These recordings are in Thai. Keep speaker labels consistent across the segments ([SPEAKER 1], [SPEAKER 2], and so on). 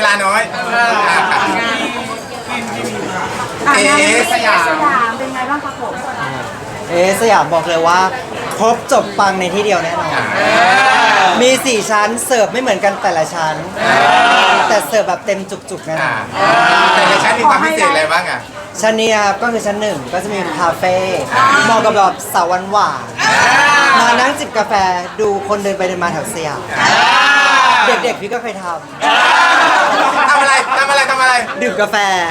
[SPEAKER 1] ลาน้อย
[SPEAKER 2] สยามเป็นไงบ้างครับผม
[SPEAKER 3] สยามบอกเลยว่าครบจบปังในที่เดียวแน่นอนมี4ชั้นเสิร์ฟไม่เหมือนกันแต่ละชั้นแต่เสิร์ฟแบบเต็มจุกๆนะ
[SPEAKER 1] แต่ในชั้นมีความพิเศษอะไรบ้างอ่ะ
[SPEAKER 3] ชั้นนี้ครับก็คือชั้น1ก็จะมีคาเฟ่เหมาะกับแบบสาวหวานมานั่งจิบกาแฟดูคนเดินไปเดินมาแถวสยามเด็กๆพี่ก็เคยท
[SPEAKER 1] ทำอะไร
[SPEAKER 3] ดื่มกาแฟ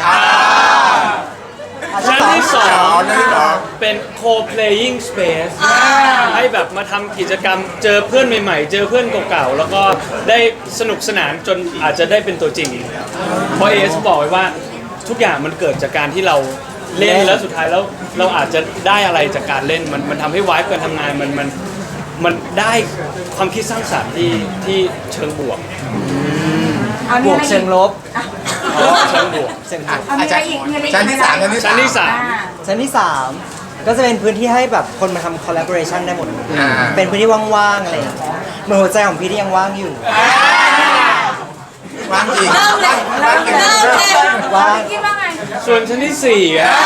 [SPEAKER 4] ชั้นที่สองเป็น co-playing space ให้แบบมาทำกิจกรรมเจอเพื่อนใหม่ๆ เจอเพื่อนเก่าๆแล้วก็ได้สนุกสนานจนอาจจะได้เป็นตัวจริงเพราะเอสบอกไว้ว่าทุกอย่างมันเกิดจากการที่เราเล่นแล้วสุดท้ายแล้วเราอาจจะได้อะไรจากการเล่นมันทำให้วายการทำงานมันได้ความคิดสร้างสรรค์ที่เชิงบวก
[SPEAKER 3] บวกเชิงลบ
[SPEAKER 4] เชิงบวก
[SPEAKER 1] ชั้นที่3
[SPEAKER 3] ชั้นที่ 3ก็จะเป็นพื้นที่ให้แบบคนมาทำ collaboration ได้หมดเป็นพื้นที่ว่างๆอะไรเหมือนหัวใจของพี่ที่ยังว่างอยู่
[SPEAKER 1] ว่างจริง
[SPEAKER 3] ว่าง
[SPEAKER 4] ส่วนชั้นที่4อ่ะ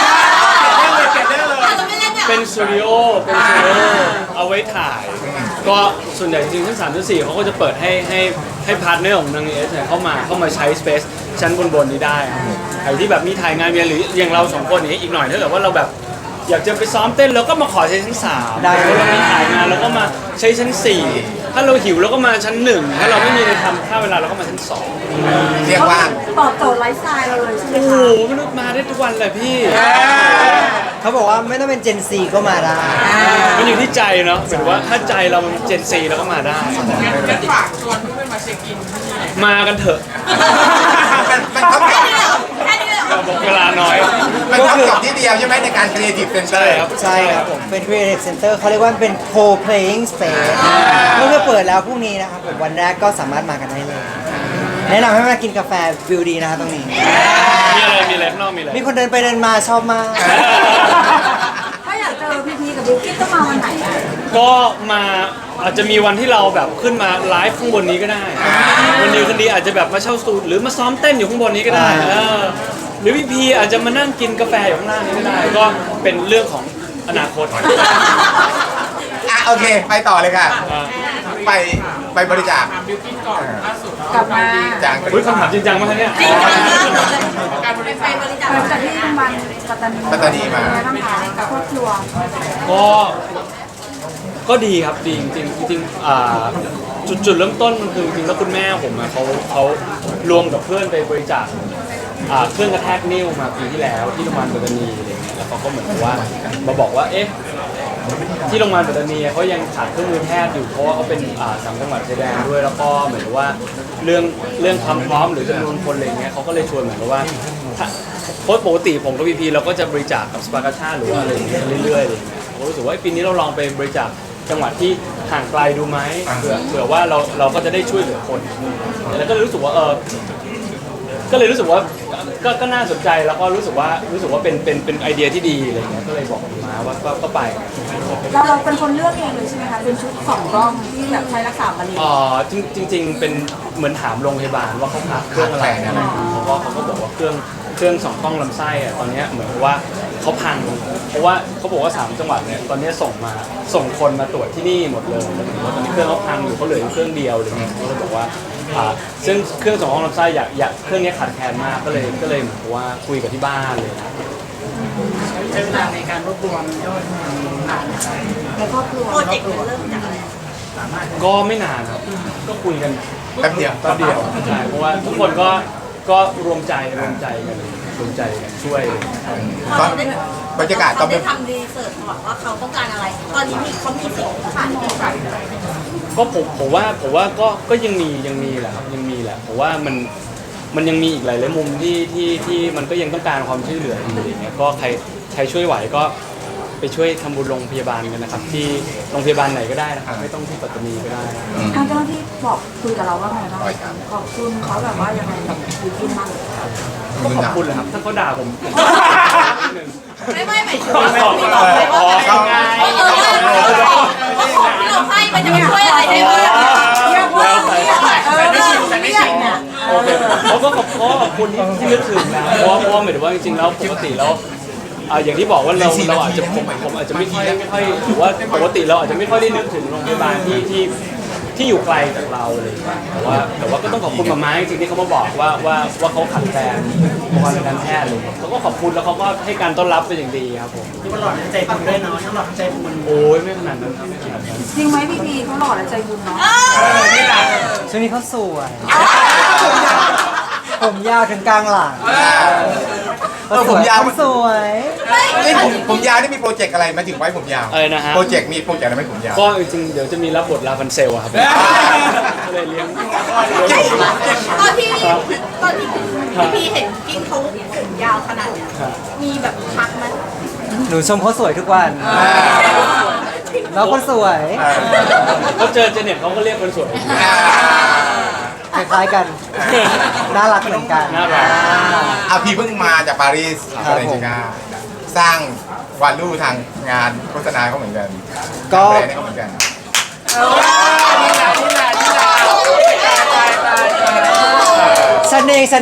[SPEAKER 4] เป็นสตูดิโอเอาไว้ถ่ายก็ส่วนใหญ่จริงๆชั้น3ชั้น4เขาก็จะเปิดให้พาร์ทเนอร์ของนางเอสเนี่ยเข้ามาใช้สเปซชั้นบนนี้ได้ใครที่แบบมีถ่ายงานหรืออย่างเรา2คนนี้อีกหน่อยถ้าเกิดว่าเราแบบอยากจะไปซ้อมเต้นเราก็มาขอใช้ชั้น3ได้ถ้าเรามีถ่ายงานเราก็มาใช้ชั้น4ถ้าเราหิวเราก็มาชั้น1ถ้าเราไม่มีอะไรทำค่าเวลาเราก็มาชั้น2
[SPEAKER 1] เรียกว่า
[SPEAKER 2] ตอบโจทย์ไลฟ์สไตล์เราเลยใช่ไหมคะ
[SPEAKER 4] โอ้โหมนุษย์มาได้ทุกวันเลยพี่
[SPEAKER 3] เขาบอกว่าไม่ต้องเป็นเจนซีก็มาได้
[SPEAKER 4] มันอยู่ที่ใจเนาะหมายถึงว่าถ้าใจเรามันเจนซีเราก็มาได้
[SPEAKER 5] งั้นฝากชวนเพื่อนๆมาเช็คอิน
[SPEAKER 4] มากันเถอะ
[SPEAKER 1] มันเท่ากับ
[SPEAKER 4] บอกเวลาน้อย
[SPEAKER 1] มันเท่ากับที่เดียวใช่ไหมในการ Creative Center
[SPEAKER 3] ใช่ครับผมเป็น Creative Center เขาเรียกว่าเป็น co-playing space เมื่อเปิดแล้วพรุ่งนี้นะครับผมวันแรกก็สามารถมากันได้เลยแนะนำให้มากินกาแฟวิวดีนะครับตรงนี้
[SPEAKER 4] มีอะไรนอกมีอะไร
[SPEAKER 3] มีคนเดินไปเดินมาชอบมาก
[SPEAKER 2] ถ้าอยากเจอพีกับบิวกิ้นต้องมาวันไหนอ่ะ
[SPEAKER 4] ก็มาอาจจะมีวันที่เราแบบขึ้นมาไลฟ์ข้างบนนี้ก็ได้วันนี้คนดีอาจจะแบบมาเช่าสตูดิโอหรือมาซ้อมเต้นอยู่ข้างบนนี้ก็ได้หรือพี่อาจจะมานั่งกินกาแฟอยู่ข้างล่างนี้ก็ได้ก็เป็นเรื่องของอนาคต
[SPEAKER 1] โอเคไปต่อเลยค่ะไปบริจาค
[SPEAKER 5] บิวกิ้นก่อนล่าสุด
[SPEAKER 2] กลับมา
[SPEAKER 1] จาก
[SPEAKER 4] คำถามจริงจังมากเนี่ย
[SPEAKER 5] การบริจาค
[SPEAKER 2] จากที่โรงพยาบาลปัตตานี
[SPEAKER 1] มา
[SPEAKER 2] ทั้งหากับครอบครัว
[SPEAKER 4] ก็ดีครับดีจริงจุดเริ่มต้นมันคือจริงแล้วคุณแม่ผมเขารวมกับเพื่อนไปบริจาคเครื่องกระแทกนิ้วมาปีที่แล้วที่โรงพยาบาลปัตตานีอะไรเงี้ยแล้วเขาก็เหมือนกับว่ามาบอกว่าเอ๊ะที่โรงพยาบาลปัตตานีเขายังขาดเครื่องมือแพทย์อยู่เพราะว่าเขาเป็น3 จังหวัดชายแดนด้วยแล้วก็เหมือนกับว่าเรื่องความพร้อมหรือจำนวนคนอะไรเงี้ยเขาก็เลยชวนเหมือนกับว่าโค้ชปกติผมกับพีเราก็จะบริจาคกับสปาร์กาชาหรือว่าอะไรเงี้ยเรื่อยๆอะไรเงี้ยผมรู้สึกว่าปีนี้เราลองไปบริจาคจังหวัดที่ห่างไกลดูไหมเผื่อว่าเราก็จะได้ช่วยเหลือคนแล้วก็รู้สึกว่าก็เลยรู้สึกว่าก็น่าสนใจแล้วก็รู้สึกว่าเป็นไอเดียที่ดีอะไรเงี้ยก็เลยบอกมาว่าก็ไป
[SPEAKER 2] เราเป็นคนเลือกเองเลยใช่ไหมคะเป็นชุด2 กล้องที่แบบใช้รักษามะเร็ง
[SPEAKER 4] จริงเป็นเหมือนถามโรงพยาบาลว่าเขาขาดเครื่องอะไรเขาก็บอกว่าเครื่อง2 กล้องลำไส้ตอนนี้เหมือนว่าเขาพังเพราะว่าเขาบอกว่า3 จังหวัดเนี่ยตอนนี้ส่งคนมาตรวจที่นี่หมดเลยแล้วตอนนี้เครื่องเขาพังอยู่เขาเหลือเครื่องเดียวอะไรเงี้ยเขาเลยบอกว่าซึ่งเครื่อง2 กล้องลำไส้อยากเครื่องนี้ขาดแคลนมากก็เลยเหมือนว่าคุยกับที่บ้านเลย
[SPEAKER 5] ใช้เวลาในการรวบรวมยอด
[SPEAKER 2] ในครอบครัว
[SPEAKER 5] โปรเจกต์เริ่มจากอะไร
[SPEAKER 4] ก็ไม่นานครับก็คุยกัน
[SPEAKER 1] แป๊บเดียว
[SPEAKER 4] ใช่เพราะว่าทุกคนก็รวมใจกันช่วย
[SPEAKER 1] บรรยากาศ
[SPEAKER 5] ตอนไปทำรีเสิร์ชบอกว่าเขาต้องการอะไรตอนนี้เขามีสิ่งที่ขาด
[SPEAKER 4] ก็ผมว่าก็ยังมีแหละครับยังมีแหละผมว่ามันยังมีอีกหลายมุมที่มันก็ยังต้องการความช่วยเหลืออยู่อย่างเงี้ยก็ใครช่วยไหวก็ไปช่วยทำบุญโรงพยาบาลกันนะครับที่โรงพยาบาลไหนก็ได้นะครับไม่ต้องที่ปัตตานีก็ได้
[SPEAKER 2] ทางเจ้าหน้าที่บอกคุยกับเราว่าไงบ้างขอบคุณเขาแบบว่ายังไงกับบิวกิ้นบ้าง
[SPEAKER 4] ก็ขอบคุณแหละครับถ้าเขาด่าผม
[SPEAKER 5] ไม่หมายถึงว่าที่เราให้มันจะไม่ช่วยอะไรได้บ้าง
[SPEAKER 4] โอเคเขาก็ขอบคุณที่นึกถึงนะเพราะว่าหมายถึงว่าจริงๆแล้วปกติแล้วอย่างที่บอกว่าเราอาจจะผมอาจจะไม่ค่อยหรือว่าปกติเราอาจจะไม่ค่อยได้นึกถึงโรงพยาบาลที่อยู่ไกลจากเราเลยแต่ว่าก็ต้องขอบคุณมาม่าจริงๆที่เขามาบอกว่าเขาขาดแคลนอุปกรณ์ทางการแพทย์เลยเขาก็ขอบคุณแล้วเขาก็ให้การต้อนรับเป็นอย่างดีครับผม
[SPEAKER 3] ที่มันหลอดใจคุณด้วยเนาะที่หลอดใจคุณ
[SPEAKER 4] โอ้ยไม่ขนาดนั้นครับไม่ขนาดนั้น
[SPEAKER 2] จริงไหมพี่พีเขาหล่อและใจบุญเนาะ
[SPEAKER 3] ช่วงนี้เขาสวยผมยาวถึงกลางหลัง
[SPEAKER 1] ผมยาว
[SPEAKER 3] สวย
[SPEAKER 1] นี่ผมยาวนี่มีโปรเจกต์อะไรมาถึงไว้ผมยาว
[SPEAKER 4] อะไรนะฮะ
[SPEAKER 1] โปรเจกต์อะไรไหมผมยาว
[SPEAKER 4] ก็จริงๆเดี๋ยวจะมีรับบทลาฟันเซลอะครับก็เลยเลี้ยง
[SPEAKER 5] ตอนที่พี่เห็นกินเขาผมยาวขนาดเนี้ยมีแบบทักไหม
[SPEAKER 3] หนูชมเขาสวยทุกวันแล้วคนสวย
[SPEAKER 4] เขาเจอเจเน็ตเขาก็เรียกคนสวย
[SPEAKER 3] คล้ายๆกันน่ารักเหมือนกัน
[SPEAKER 4] น่ารัก
[SPEAKER 1] พี่เพิ่งมาจากปารีส
[SPEAKER 3] ครับ
[SPEAKER 1] อะไร
[SPEAKER 3] ผม
[SPEAKER 1] จริงๆสร้างวาลูทางงานโฆษณาเขาเหมือนกัน
[SPEAKER 3] ก็
[SPEAKER 1] แบรนด์เขาเหมือนกัน
[SPEAKER 3] เสน่ห์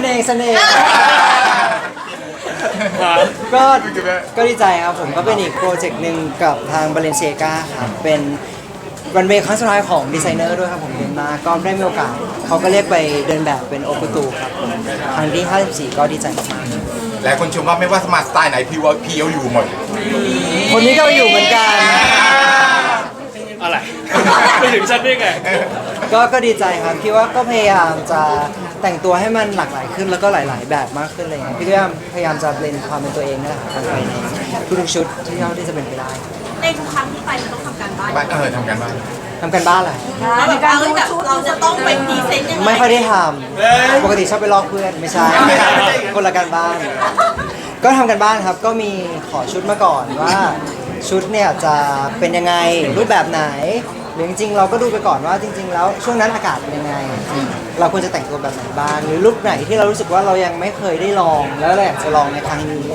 [SPEAKER 3] ก็ดีใจครับผมก็เป็นอีกโปรเจกต์หนึ่งกับทาง Balenciaga ครับเป็นวันเวย์ครั้งสุดท้ายของดีไซเนอร์ด้วยครับผมเดินมาก็ได้มีโอกาสเขาก็เรียกไปเดินแบบเป็นโอคุตูครับผมครั้งที่54ก็ดีใจมาก
[SPEAKER 1] หลายคนชมว่าไม่ว่าสมาร์ทสไตล์ไหนพี่ว่าพี่เอาอยู่หมด
[SPEAKER 3] ๆคนนี้ก็อยู่เหมือนกัน
[SPEAKER 4] อะไรไปถึงฉันได้ไง
[SPEAKER 3] ก็ดีใจครับคิดว่าก็พยายามจะแต่งตัวให้มันหลากหลายขึ้นแล้วก็หลาย ๆ แบบมากขึ้นอะไรอย่างเลยพี่ก็พยายามจะเบลนความเป็นตัวเองนี่แหละครับไปในทุกๆชุดที่เท่าที่จะเป็นไปได้
[SPEAKER 5] ในทุกครั้งที่ไปมันต้องทำการบ้าน
[SPEAKER 1] ทำกันบ้าง
[SPEAKER 3] ทำกันบ้านเหรอ
[SPEAKER 5] แล้วแบบเราจะต้องไปพรีเซนต์ยังไง
[SPEAKER 3] ไม่ค่อยได้ทำปกติชอบไปลอกเพื่อนไม่ใช่คนละการบ้าน ก็ทำกันบ้านครับก็มีขอชุดมาก่อนว่าชุดเนี่ยจะเป็นยังไงรูปแบบไหนหรือจริงๆเราก็ดูไปก่อนว่าจริง ๆ แล้วช่วงนั้นอากาศเป็นยังไง เราควรจะแต่งตัวแบบไหนบ้างหรือรูปไหนที่เรารู้สึกว่าเรายังไม่เคยได้ลองแล้วเราอยากจะลองในครั้งนี้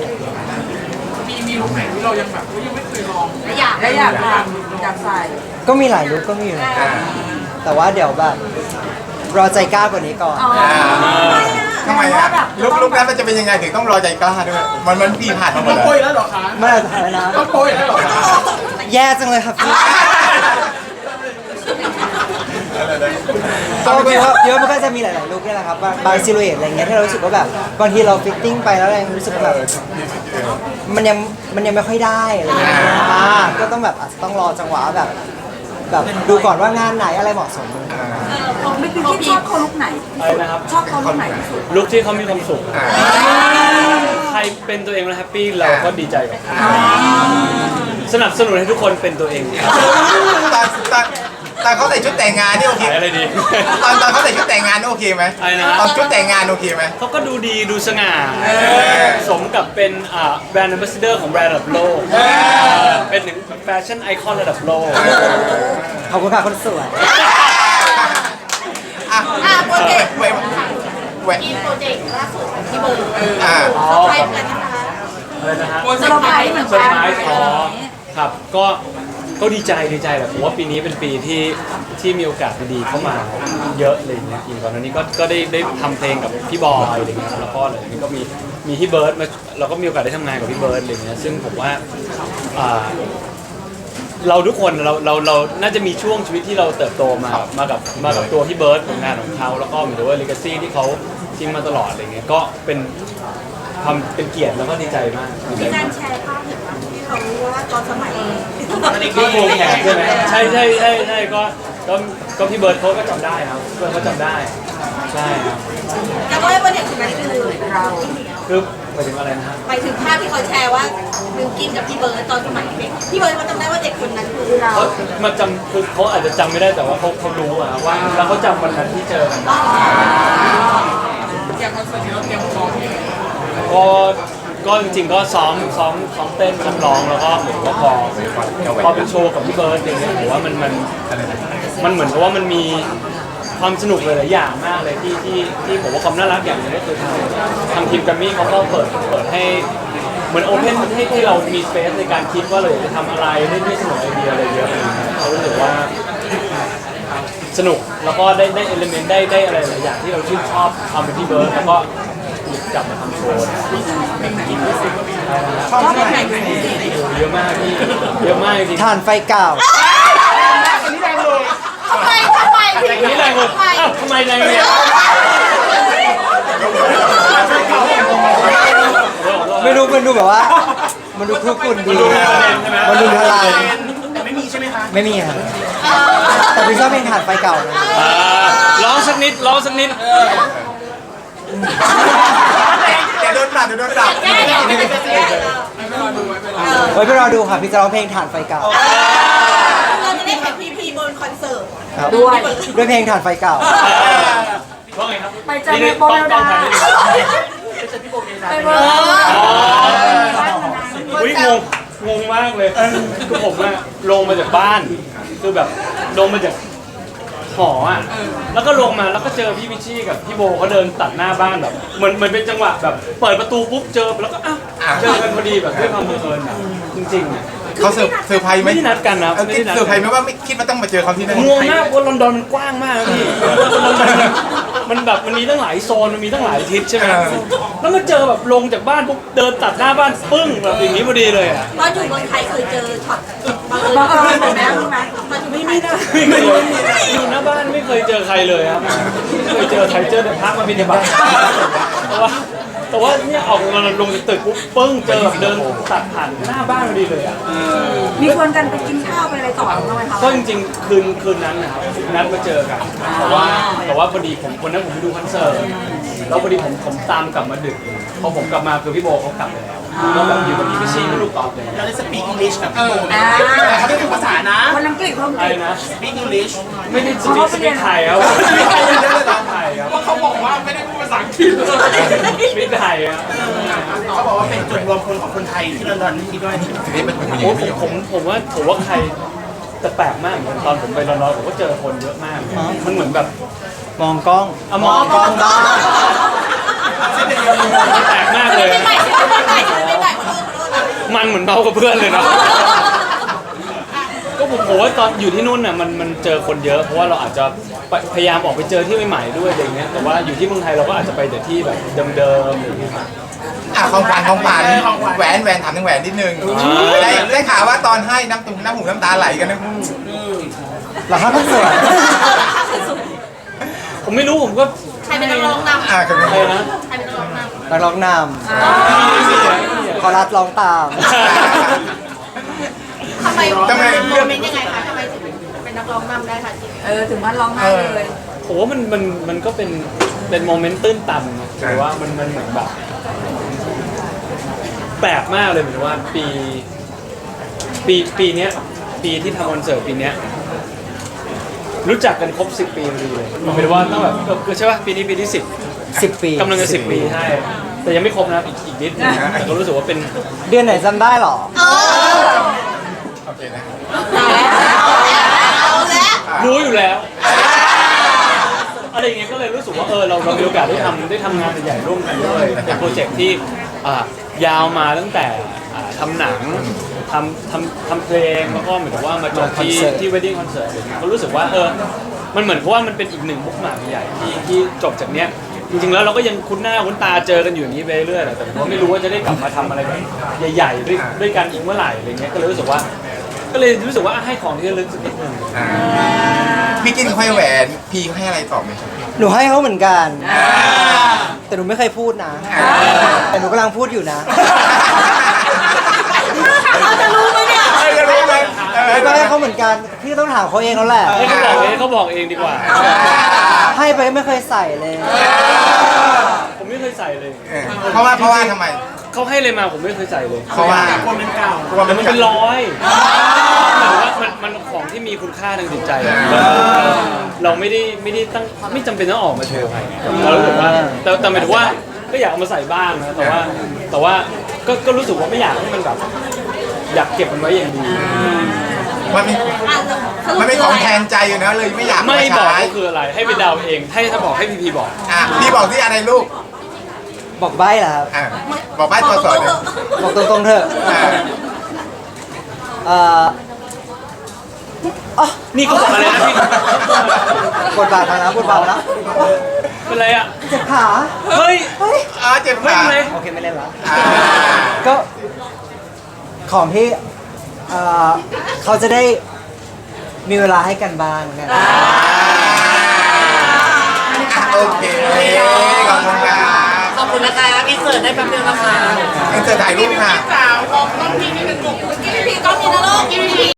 [SPEAKER 5] อยาก
[SPEAKER 2] และอยากใส่
[SPEAKER 3] ก็มีหลายลุคก็มีอยู่นะแต่ว่าเดี๋ยวแบบรอใจกล้ากว่านี้ก่อน
[SPEAKER 1] ทำไมอะลุกนั้นมันจะเป็นยังไงถึงต้องรอใจกล้าด้วยมันพี่ผ่านมาหมดเลย
[SPEAKER 3] ไม่อาจจะถ่ายนะ
[SPEAKER 1] ต้องโปรยแล้วหรอ
[SPEAKER 3] แย่จังเลยครับพี่ก็คิดว่ามันก็จะมีหลายๆลุคนี่แหละครับบางซิลูเอตอะไรเงี้ยที่เรารู้สึกว่าแบบบางทีเราฟิตติ้งไปแล้วเรายังรู้สึกว่าแบบมันยังไม่ค่อยได้อะไรเงี้ยก็ต้องแบบอาจจะต้องรอจังหวะแบบดูก่อนว่างานไหนอะไรเหมาะสม
[SPEAKER 2] ไม่คือที่ชอบเขาลุกไหน
[SPEAKER 4] อะไรนะครับ
[SPEAKER 2] ชอบเขาลุกไหนที่สุด
[SPEAKER 4] ลุคที่เขามีความสุขใครเป็นตัวเองแล้วแฮปปี้เราก็ดีใจกับเขาสนับสนุนให้ทุกคนเป็นตัวเอง
[SPEAKER 1] ตอนเขาใส่ชุดแต่งงานนี่โอเค
[SPEAKER 4] ขายอะไรดี
[SPEAKER 1] ตอนเขาใส่ชุดแต่งงานนี่โอเคไหม
[SPEAKER 4] อะไรนะ
[SPEAKER 1] ตอนชุดแต่งงานโอเคไหม
[SPEAKER 4] เขาก็ดูดีดูสง่าสมกับเป็นแบรนด์ a m b a s s a d o r ของแบรนด์ระดับโลกเป็นหนึ่งแฟชั่นไอคอนระดับโลก
[SPEAKER 3] ขอบคุณค่ะคนสวย
[SPEAKER 5] โปรเจกต์
[SPEAKER 1] เว้ยเว้ย
[SPEAKER 5] มีโปรเจกต์ล่าสุดของพี่เบิร์ด
[SPEAKER 1] อ่า
[SPEAKER 5] เซอร์ไพรส์กันนะคะ
[SPEAKER 4] อะไรนะฮะ
[SPEAKER 2] เซอร์ไพรส์เหมือน
[SPEAKER 4] เซอ
[SPEAKER 2] กั
[SPEAKER 4] ร์
[SPEAKER 2] น
[SPEAKER 4] ไพรส์อ๋อครับก็ดีใจแหละผมว่าปีนี้เป็นปีที่มีโอกาสดีๆเข้ามาเยอะเลยเนี่ยอย่างก่อนหน้านี้ก็ได้ทำเพลงกับพี่บอยอะไรเงี้ยแล้วก็อะไรอย่างเงี้ยก็มีพี่เบิร์ดมาเราก็มีโอกาสได้ทำงานกับพี่เบิร์ดอะไรเงี้ยซึ่งผมว่าเราทุกคนเราน่าจะมีช่วงชีวิตที่เราเติบโตมากับตัวพี่เบิร์ดผลงานของเขาแล้วก็เหมือนกับว่าเลกาซี่ที่เขาทิ้งมาตลอดอะไรเงี้ยก็เป็นเกียรติแล้วก็ดีใจมากดีใจ
[SPEAKER 5] มีกาม
[SPEAKER 4] าร ก
[SPEAKER 5] แชร์ภาพเห็นไหมที่เขาว่าตอนสมัย
[SPEAKER 4] ที่โครงแขนใช่ไหมใช่ก็พี่เบิร์ดเขาก็จำได้ครับเบิร์ดเขาจำได้ใช่ครับ
[SPEAKER 5] แล้วก็ว่าเด็กคนนั้นคือเรา
[SPEAKER 4] คือหมายถึงอะไรนะฮะ
[SPEAKER 5] ไปถึงภาพที่เขาแชร์ว่าบิวกินกับพี่เบิร์ดตอนสมัยเด็กพี่เบิร์ดเขาจำได้ว่าเด็กคนนั้นคือเรา
[SPEAKER 4] เขามาจำคือเขาอาจจะจำไม่ได้แต่ว่าเขารู้อะว่าแล้วเขาจำวันนั้นที่เจอกันก็จริงๆก็ซ้อมเต้นซ้อมร้องแล้วก็เหมือนว่าพอเป็นโชว์กับพี่เบิร์ดอย่างเงี้ยผมว่ามันเหมือนกับว่ามันมีความสนุกหลายๆอย่างมากเลยที่ผมว่าความน่ารักอย่างหนึงก็คือทางทีมแกรมมี่เขาก็เปิดให้เหมือนโอเพนให้เรามีสเปซในการคิดว่าเราอยากจะทำอะไรได้เสนอไอเดียอะไรเยอะเขารู้สึกว่าสนุกแล้วก็ได้เอลิเมนต์ได้อะไรหลายอย่างที่เราชื่นชอบทำเป็นพี่เบิร์ดแล้วก็จับมาทำโชว์เนี่ย
[SPEAKER 2] ชอบแบบไหนเป็นพิเศษ
[SPEAKER 4] เยอะมากพี่เยอะมากจริง
[SPEAKER 3] ถ่านไฟเก่า
[SPEAKER 5] ทำไมถึง
[SPEAKER 4] อันนี้แรงเลยอ้าวทำไมแรงเนี่ย
[SPEAKER 3] ไม่รู้มันดูแบบว่า มันดูคลุกคลุ่นดีมันดูพลัง
[SPEAKER 1] แต่ไม่มีใช่ไหมคะ
[SPEAKER 3] ไม่มีครับแต่พี่ชอบเพลงถ่านไฟเก่านะ
[SPEAKER 4] ร้องสักนิดร้องสักนิด
[SPEAKER 1] เดี๋ยวโดนปรับเดี๋ยวโดนปรับ
[SPEAKER 5] แก้แก้
[SPEAKER 3] ไว้ไปรอดูค่ะพี่จะร้องเพลงถ่านไฟเก่า
[SPEAKER 5] เราจะได้เห็นพีบนคอนเสิร์ต
[SPEAKER 3] ครับ
[SPEAKER 2] ด้วย
[SPEAKER 3] ด้วยเพลงถ่านไฟเก่า
[SPEAKER 4] ว่าไงครับ
[SPEAKER 2] ไปเจอในโปรเมลดาไปเวิร์ก
[SPEAKER 4] อุ้ยงงมากเลยคือผมอะลงมาจากบ้านคือแบบลงมาจากหออ่ะแล้วก็ลงมาแล้วก็เจอพี่พิชชี่กับพี่โบเขาเดินตัดหน้าบ้านแบบเหมือนเป็นจังหวะแบบเปิดประตูปุ๊บเจอแล้วก็อ้าวเจอกันพอดีแบบด้วยความบังเอิญอะจริงๆอะ
[SPEAKER 1] เขาเซอร์ไพรส์ไหม
[SPEAKER 4] ไม่ได้นัดกันนะ
[SPEAKER 1] เออ
[SPEAKER 4] ไม่ได้นัด
[SPEAKER 1] เซอร์ไพรส์ไหมว่าไม่คิดว่าต้องมาเจอเขาที่นั่น
[SPEAKER 4] งงมากเพราะลอนดอนมันกว้างมากนะพี่ลอนดอนมันแบบมันมีตั้งหลายโซนมันมีตั้งหลายทิศใช่ไหมแล้วก็เจอแบบลงจากบ้านปุ๊บเดินตัดหน้าบ้านปึ้งแบบอย่างนี้พอดีเลยอ่ะ
[SPEAKER 5] ตอนอยู่เมืองไทยเคยเจอช็อตบังเอิญ
[SPEAKER 2] บังเอิญแบบนี้รู้ไหม
[SPEAKER 5] ตอนอยู่
[SPEAKER 4] ไม่
[SPEAKER 5] เมืองไท
[SPEAKER 4] ไม่
[SPEAKER 5] ย
[SPEAKER 4] ได้อยู่หน้าบ้านไม่เคยเจอใครเลยครับไม่เคยเจอใครเจอแต่พระมาบิณฑบาตแต่ว่าเนี่ยออกมาลงจากตึกปุ๊บปึ้งเจอแบบเดินตัดผ่านหน้าบ้านพอดีเลยอ่ะ
[SPEAKER 2] มีชวนกันไปกินข้าวไปอะไรต่อบ้างไหมคะ
[SPEAKER 4] ก็จริงๆคืนนั้นนะครับนัดมาเจอกันแต่ว่าพอดีผมวันนั้นผมไปดูคอนเสิร์ตแล้วพอดีผมตามกลับมาดึกพอผมกลับมาคือพี่โบเขากลับไปแล้วแล้วแบบอยู่กับพี่พิชชี่ไม่รู้ตอบเลย
[SPEAKER 6] เราได้สปีกอังกฤษกับพี่โบไหม
[SPEAKER 2] อ่า
[SPEAKER 6] แต่เขาไม่ถูกภาษานะ
[SPEAKER 2] คนอังกฤษเพิ่ม
[SPEAKER 4] อะไร
[SPEAKER 2] ติด
[SPEAKER 4] นะ
[SPEAKER 6] สปีกอังกฤษ
[SPEAKER 4] ไม่ได้สปีกไทยครับสปีกไทยครับ
[SPEAKER 6] เพราะเขาบอกว่าไม่ได้พูดภาษาอังกฤษ
[SPEAKER 4] สปีกไทยครับ
[SPEAKER 6] เขาบอกว่าเป็นจุดรวมคนของคนไทยที่ลอนดอนนี่คิดว่า
[SPEAKER 1] ทีนี้เป็นผู้หญิง
[SPEAKER 4] โอ้
[SPEAKER 1] ผู้หญิง
[SPEAKER 4] ผมว่าใครแต่แปลกมากเหมือนกันตอนผมไปลอนดอนผมก็เจอคนเยอะมากมันเหมือนแบบ
[SPEAKER 3] มองกล้อง
[SPEAKER 4] อะมองกล้องบ้างแปลกมากเลย
[SPEAKER 5] ไม่ใหม่ไม่ใหม่ไม่ใหม่ขอโทษ
[SPEAKER 4] มันเหมือนเมากับเพื่อนเลยเนาะก็ผมว่าตอนอยู่ที่นู่นน่ะมันเจอคนเยอะเพราะว่าเราอาจจะพยายามออกไปเจอที่ใหม่ๆด้วยอะไรเงี้ยแต่ว่าอยู่ที่เมืองไทยเราก็อาจจะไปแต่ที่แบบเดิมๆอย่างเงี้ยครับ
[SPEAKER 1] ของขวัญแหวนถามถึงแหวนนิดนึงได้ข่าวว่าตอนให้น้ำหูน้ำตาไหลกันนะ
[SPEAKER 3] หลังคาคอนเสิร์ต
[SPEAKER 4] ผมไม่รู้ผมก็
[SPEAKER 5] ใครเป็นนักร้องนำ
[SPEAKER 1] อ่าคือ
[SPEAKER 4] ใครนะ
[SPEAKER 5] ใครเป็นนักร้องนำ
[SPEAKER 3] นักร้องนำคอรัสร้องตาม
[SPEAKER 5] ทำไมโมเมนต์ยังไงคะทำไมถึงเป็นนักร้องนำได้คะจริง
[SPEAKER 2] ถึงมันร้องไห้เลย
[SPEAKER 4] ผมว่ามันก็เป็นโมเมนต์ตื้นตันนะแต่ว่ามันเหมือนแบบแปลกมากเลยเหมือนว่าปีเนี้ยปีที่ทำคอนเสิร์ตปีเนี้ยรู้จักกันครบ10 ปีพอดีเลยมันเป็นว่าต้องแบบใช่ป่ะปีนี้ปีที่10
[SPEAKER 3] ปี
[SPEAKER 4] กำลังจะ10 ปีใช่แต่ยังไม่ครบนะอีกนิดนึงแต่ก็รู้สึกว่าเป็น
[SPEAKER 3] เดือนไหนจำได้หรอ
[SPEAKER 1] โอเคนะ
[SPEAKER 5] เอาแล้ว
[SPEAKER 4] รู้อยู่แล้วอะไรอย่างเงี้ยก็เลยรู้สึกว่าเรามีโอกาสได้ทำงานใหญ่ๆร่วมกันด้วยเป็นโปรเจกต์ที่ยาวมาตั้งแต่ทำหนังทำเพลงแล้วก็เหมือนกับว่ามาจบที่ wedding concert อะไรเงี้ยก็รู้สึกว่ามันเหมือนเพราะว่ามันเป็นอีกหนึ่งบุ๊กหมากใหญ่ที่จบจากเนี้ยจริงๆแล้วเราก็ยังคุ้นหน้าคุ้นตาเจอกันอยู่อย่างนี้ไปเรื่อยๆแต่ผมก็ไม่รู้ว่าจะได้กลับมาทำอะไรแบบใหญ่ๆด้วยกันอีกเมื่อไหร่อะไรเงี้ยก็เลยรู้สึกว่าให้ของที่ระลึกสักนิดนึง
[SPEAKER 1] พี่กินให้แหวนพี่ให้อะไรตอบไหม
[SPEAKER 3] หนูให้เขาเหมือนกัน แต่หนูไม่เคยพูดนะ แต่หนูกำลังพูดอยู่นะ
[SPEAKER 5] เราจะรู้ไหมเนี่ย
[SPEAKER 1] จะรู้ไหม
[SPEAKER 3] ก็ให้เขาเหมือนกัน พี่ต้องถามเขาเองแล้วแหละ
[SPEAKER 4] ให้เขาบอกเองดีกว่า
[SPEAKER 3] ให้ไปไม่เคยใส่เลย
[SPEAKER 4] ผมไม่เคยใส่เลย
[SPEAKER 1] เพราะว่าทำไม
[SPEAKER 4] เขาให้เลยมาผมไม่เคยใส่เลย
[SPEAKER 1] เพราะว่า
[SPEAKER 6] คนเป็นเก่า
[SPEAKER 4] แต่มันเป็นร้อยหมายถึงว่ามันของที่มีคุณค่าทางจิตใจอะเราไม่ได้ตั้งไม่จำเป็นต้องออกมาโชว์ใครเรารู้สึกว่าแต่หมายถึงว่าก็อยากเอามาใส่บ้างนะแต่ว่าก็รู้สึกว่าไม่อยากให้มันแบบอยากเก็บมันไว้อย่างดี
[SPEAKER 1] มันเป็นของแทนใจอยู่นะเลยไม่อยาก
[SPEAKER 4] ไม่บอก
[SPEAKER 1] ใช้
[SPEAKER 4] ก็คืออะไรให้ไปเดาเองถ้าบอกให้พีบอก
[SPEAKER 1] พี่บอกที่อะไรลูก
[SPEAKER 3] บอกใบ้เหรอครับ
[SPEAKER 1] บอกบ้านตัวสอนเลย
[SPEAKER 3] บอกตรงๆเถอะอ๋อ
[SPEAKER 4] นี่ก็บอกอะไรนะพี่
[SPEAKER 3] บทบาทมาแล้วบทบาทมาแล้ว
[SPEAKER 4] เป็นไรอ่ะ
[SPEAKER 3] เจ็บขา
[SPEAKER 4] เฮ้ย
[SPEAKER 3] เฮ้ย
[SPEAKER 1] อ๋อเจ็บ
[SPEAKER 4] ไม่
[SPEAKER 1] ขา
[SPEAKER 4] เป็นไร
[SPEAKER 3] โอเคไม่เล่นละ
[SPEAKER 1] อ่า
[SPEAKER 3] ก็ของที่เขาจะได้มีเวลาให้กันบ้างนะ
[SPEAKER 1] โอเคขอบคุณครับ
[SPEAKER 6] ขอบคุณนะคะอินเสิร์ตได้แป๊บเดียวนะคะ
[SPEAKER 1] งั้นเจอถ่ายรูปค่ะ
[SPEAKER 5] สาวมองต้องพี่นี่เป็นกลุ่มพี่พี่ก็มีนะลูกพี่